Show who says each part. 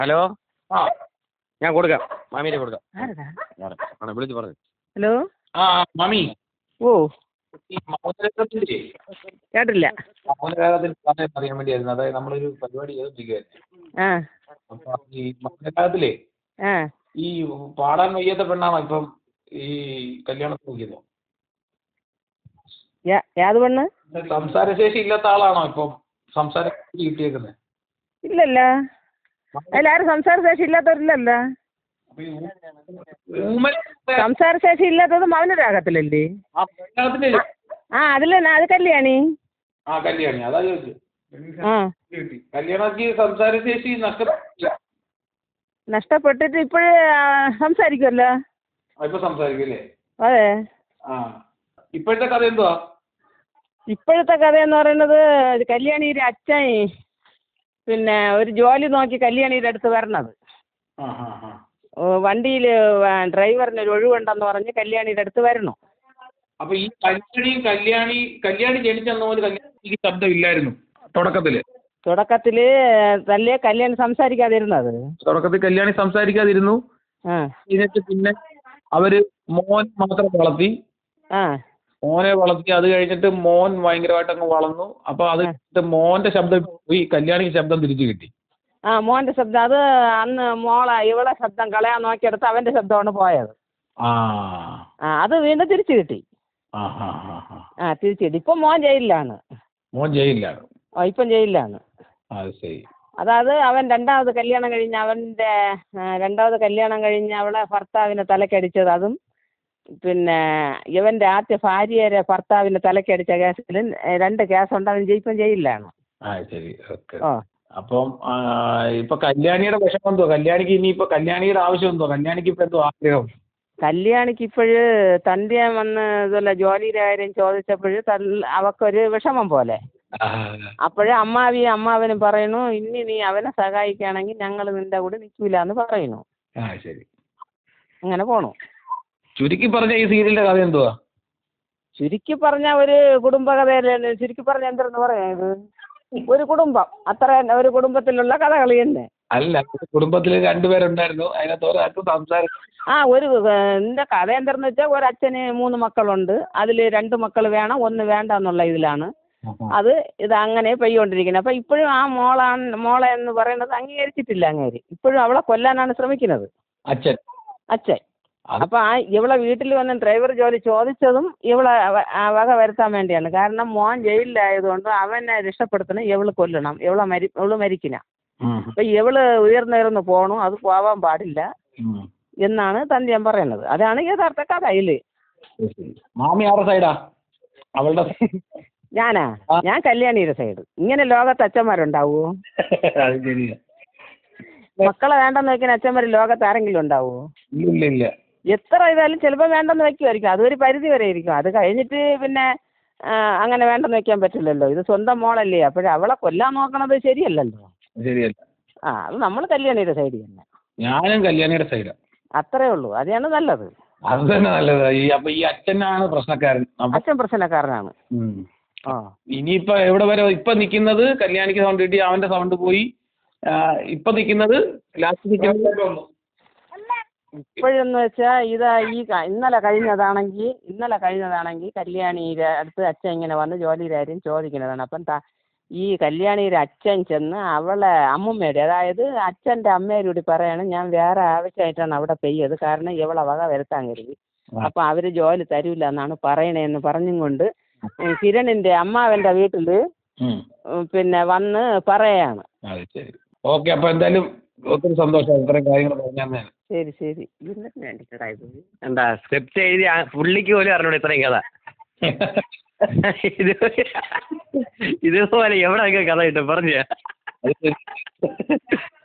Speaker 1: Hello.
Speaker 2: ആ
Speaker 1: ഞാൻ കൊടുക്കാം, മാമീനെ കൊടുക്കാം.
Speaker 3: ആരടാ?
Speaker 1: ആണ് വിളിച്ച് പറഞ്ഞു.
Speaker 3: ഹലോ.
Speaker 2: ആ മാമി,
Speaker 3: ഓ,
Speaker 2: ഈ മൗനരാഗത്തിൻ്റെ
Speaker 3: കേട്ടില്ല.
Speaker 2: മൗനരാഗത്തിൻ്റെ സമയം അറിയാൻ വേണ്ടിയായിരുന്നു. അതായത് നമ്മളൊരു പരിപാടി ചെയ്തോണ്ടിരിക്കുകയായിരുന്നു.
Speaker 3: ആ
Speaker 2: അപ്പം ഈ മൗനരാഗത്തിലേ
Speaker 3: ആ
Speaker 2: ഈ പാടാൻ വയ്യാത്ത പെണ്ണാണോ ഇപ്പം ഈ കല്യാണത്തിന് നോക്കിയത്?
Speaker 3: യാത് പെണ്ണ്?
Speaker 2: സംസാരശേഷി ഇല്ലാത്ത ആളാണോ ഇപ്പം സംസാരശേഷി കിട്ടിയേക്കുന്നത്?
Speaker 3: ഇല്ലല്ല, അതിലാരും സംസാരശേഷി ഇല്ലാത്തവരില്ലല്ല.
Speaker 2: അപ്പൊ ഈ ഊമൻ
Speaker 3: സംസാരശേഷി ഇല്ലാത്തത് മൗനരാഗത്തിലല്ലേ?
Speaker 2: ആ മൗനരാഗത്തിൻ്റെ
Speaker 3: ആ അതിലെന്നാ, അത് കല്യാണി.
Speaker 2: ആ കല്യാണി, അതാ ചോദിച്ചു.
Speaker 3: ആ
Speaker 2: കല്യാണക്ക് സംസാരശേഷി നഷ്ടപ്പെട്ടില്ല.
Speaker 3: നഷ്ടപ്പെട്ടിട്ട് ഇപ്പോഴേ സംസാരിക്കുമല്ലോ.
Speaker 2: ഇപ്പൊ സംസാരിക്കല്ലേ?
Speaker 3: അതെ.
Speaker 2: ആ ഇപ്പോഴത്തെ കഥ എന്തുവാ?
Speaker 3: ഇപ്പോഴത്തെ കഥയെന്ന് പറയുന്നത് കല്യാണിയുടെ അച്ഛൻ പിന്നെ ഒരു ജോലി നോക്കി കല്യാണിയുടെ അടുത്ത് വരണത്.
Speaker 2: ആ ആ ആ
Speaker 3: വണ്ടിയിൽ ഡ്രൈവറിന് ഒരു ഒഴിവുണ്ടെന്ന് പറഞ്ഞ് കല്യാണിയുടെ അടുത്ത് വരണം.
Speaker 2: അപ്പൊ ഈ കല്യാണി ജനിച്ചെന്ന പോലെ കല്യാണിക്ക് ശബ്ദം ഇല്ലായിരുന്നു തുടക്കത്തില്.
Speaker 3: തല്ലേ കല്യാണി സംസാരിക്കാതിരുന്നത്.
Speaker 2: തുടക്കത്തിൽ കല്യാണി സംസാരിക്കാതിരുന്നു.
Speaker 3: ആ
Speaker 2: എന്നിട്ട് പിന്നെ അവര് മോൻ മാത്രം വളർത്തി.
Speaker 3: ആ
Speaker 2: മോനെ വളർത്തി, അത് കഴിഞ്ഞിട്ട് മോൻ ഭയങ്കരമായിട്ട് അങ്ങ് വളർന്നു. അപ്പൊ അത് കഴിഞ്ഞിട്ട് മോന്റെ ശബ്ദം പോയി, കല്യാണിക്ക് ശബ്ദം തിരിച്ചു കിട്ടി.
Speaker 3: ആ മോൻ്റെ ശബ്ദം, അത് അന്ന് ഇവളെ ശബ്ദം കളയാൻ നോക്കിയെടുത്ത് അവൻ്റെ ശബ്ദമാണ് പോയത്.
Speaker 2: ആ
Speaker 3: അത് വീണ്ടും തിരിച്ചു കിട്ടി.
Speaker 2: ആ ആ ആ
Speaker 3: തിരിച്ചു കിട്ടി. ഇപ്പം മോൻ ജയിലിലാണ്.
Speaker 2: മോൻ ജയിലിലാണ്.
Speaker 3: ഇപ്പം ജയിലിലാണ്.
Speaker 2: അത് ശരി.
Speaker 3: അതായത് അവൻ രണ്ടാമത് കല്യാണം കഴിഞ്ഞ് അവളെ ഭർത്താവിനെ തലക്കടിച്ചത്, അതും പിന്നെ ഇവൻ്റെ ആദ്യ ഭാര്യയുടെ ഭർത്താവിനെ തലക്കടിച്ച കേസിലും 2 കേസുണ്ട്. അവൻ ഇപ്പം ജയിലിലാണ്.
Speaker 2: ആ ശരി, ഓക്കെ.
Speaker 3: ഓ
Speaker 2: അപ്പം ഇപ്പൊ കല്യാണിയുടെ വിഷമം എന്തോ? കല്യാണിക്ക് ഇനിയിപ്പോ കല്യാണിയുടെ ആവശ്യം എന്തോ? കല്യാണിക്ക് ഇപ്പൊ എന്തോ ആഗ്രഹം?
Speaker 3: കല്യാണിക്ക് ഇപ്പോഴ് തൻ്റെ വന്ന് ഇതുപോലെ ജോലിയുടെ കാര്യം ചോദിച്ചപ്പോൾ അവക്കൊരു വിഷമം പോലെ. അപ്പോഴേ അമ്മാവനും പറയുന്നു, ഇനി നീ അവനെ സഹായിക്കുകയാണെങ്കിൽ ഞങ്ങൾ നിന്റെ കൂടെ നിൽക്കില്ല എന്ന് പറയുന്നു.
Speaker 2: ആ ശരി.
Speaker 3: അങ്ങനെ പോണു.
Speaker 2: ചുരുക്കി പറഞ്ഞ ഈ സീരിയലിന്റെ കഥ എന്തുവാ?
Speaker 3: ചുരുക്കി പറഞ്ഞ ഒരു കുടുംബകഥയല്ലേ. ചുരുക്കി പറഞ്ഞ എന്തെന്ന് പറയാം, ഇത് ഒരു കുടുംബം, അത്ര ഒരു കുടുംബത്തിലുള്ള കഥകൾ തന്നെ.
Speaker 2: അല്ല, കുടുംബത്തിൽ 2 പേരുണ്ടായിരുന്നു, അതിനകത്ത് ഒരാൾക്ക് സംസാരം.
Speaker 3: എൻ്റെ കഥ എന്തെന്ന് വെച്ചാൽ, ഒരച്ഛന് 3 മക്കളുണ്ട്. അതിൽ 2 മക്കൾ വേണം, 1 വേണ്ട എന്നുള്ള ഇതിലാണ് ഇത് അങ്ങനെ പെയ്യോണ്ടിരിക്കുന്നത്. അപ്പം ഇപ്പോഴും ആ മോളെ എന്ന് പറയുന്നത് അംഗീകരിച്ചിട്ടില്ല അങ്ങേര്. ഇപ്പോഴും അവളെ കൊല്ലാനാണ് ശ്രമിക്കുന്നത്
Speaker 2: അച്ഛൻ.
Speaker 3: അപ്പം ഇവളെ വീട്ടിൽ വന്ന് ഡ്രൈവർ ജോലി ചോദിച്ചതും ഇവളെ വക വരുത്താൻ വേണ്ടിയാണ്. കാരണം മോൻ ജയിലിലായതുകൊണ്ട് അവനെ രക്ഷപ്പെടുത്തണം, ഇവള് കൊല്ലണം, ഇവള് മരിക്കണം. അപ്പം ഇവള് ഉയർന്നുയർന്ന് പോകണം, അത് പോവാൻ പാടില്ല എന്നാണ് തന്റെയും പറയുന്നത്. അതാണ് യഥാർത്ഥ കഥ.
Speaker 2: മാമി ആരുടെ സൈഡാ? അവളുടെ
Speaker 3: ഞാൻ കല്യാണിയുടെ സൈഡ്. ഇങ്ങനെ ലോകത്ത് അച്ഛന്മാരുണ്ടാവുമോ? മക്കളെ വേണ്ടെന്ന് വെക്കുന്ന അച്ഛന്മാർ ലോകത്ത് ആരെങ്കിലും ഉണ്ടാവുമോ?
Speaker 2: ഇല്ല.
Speaker 3: എത്ര ഇതായാലും ചിലപ്പോൾ വേണ്ടെന്ന് വെക്കുമായിരിക്കും. അതൊരു പരിധി വരെ ഇരിക്കും. അത് കഴിഞ്ഞിട്ട് പിന്നെ അങ്ങനെ വേണ്ടെന്ന് വെക്കാൻ പറ്റില്ലല്ലോ. ഇത് സ്വന്തം മോളല്ലേ. അവളെ കൊല്ലാൻ നോക്കണത് ശരിയല്ലല്ലോ.
Speaker 2: ശരിയല്ല.
Speaker 3: അത് നമ്മൾ കല്യാണിയുടെ സൈഡ് തന്നെ.
Speaker 2: ഞാനും കല്യാണിയുടെ സൈഡാ.
Speaker 3: അത്രേ ഉള്ളൂ. അതാണ് നല്ലത്.
Speaker 2: അത് തന്നെ നല്ലത്. അപ്പൊ ഈ അച്ഛനാണ് പ്രശ്നക്കാരൻ.
Speaker 3: അച്ഛൻ പ്രശ്നക്കാരനാണ്.
Speaker 2: ഇനിയിപ്പോ എവിടെ വരെ ഇപ്പൊ നിൽക്കുന്നത്? കല്യാണിക്ക് സൗണ്ട് കിട്ടി, അവന്റെ സൗണ്ട് പോയി. ഇപ്പൊ നിൽക്കുന്നത് ലാസ്റ്റ്
Speaker 3: ഇപ്പോഴെന്ന് വെച്ചാൽ ഇന്നലെ കഴിഞ്ഞതാണെങ്കിൽ കല്യാണിയുടെ അടുത്ത് അച്ഛൻ ഇങ്ങനെ വന്ന് ജോലിയുടെ കാര്യം ചോദിക്കുന്നതാണ്. അപ്പം ഈ കല്യാണിയുടെ അച്ഛൻ ചെന്ന് അവളെ അമ്മുമ്മയുടെ, അതായത് അച്ഛൻ്റെ അമ്മയോട് പറയാണ്, ഞാൻ വേറെ ആവശ്യമായിട്ടാണ് അവിടെ പെയ്യത്, കാരണം ഇവളെ വക വരുത്താൻ കരുതി. അപ്പം അവർ ജോലി തരൂല എന്നാണ് പറയണേന്ന് പറഞ്ഞും കൊണ്ട് കിരണിൻ്റെ അമ്മാവൻ്റെ വീട്ടിൽ പിന്നെ വന്ന് പറയാണ്.
Speaker 2: ഓക്കെ. അപ്പൊ എന്തായാലും ഒത്തിരി സന്തോഷം ഇത്രയും കാര്യങ്ങൾ പറഞ്ഞാൽ.
Speaker 3: ശരി.
Speaker 1: എന്താ സ്ക്രിപ്റ്റ് എഴുതി പുള്ളിക്ക് പോലും അറിഞ്ഞൂടെ ഇത്രയും കഥ? ഇതുപോലെ എവിടെ കഥ കിട്ടും? പറഞ്ഞ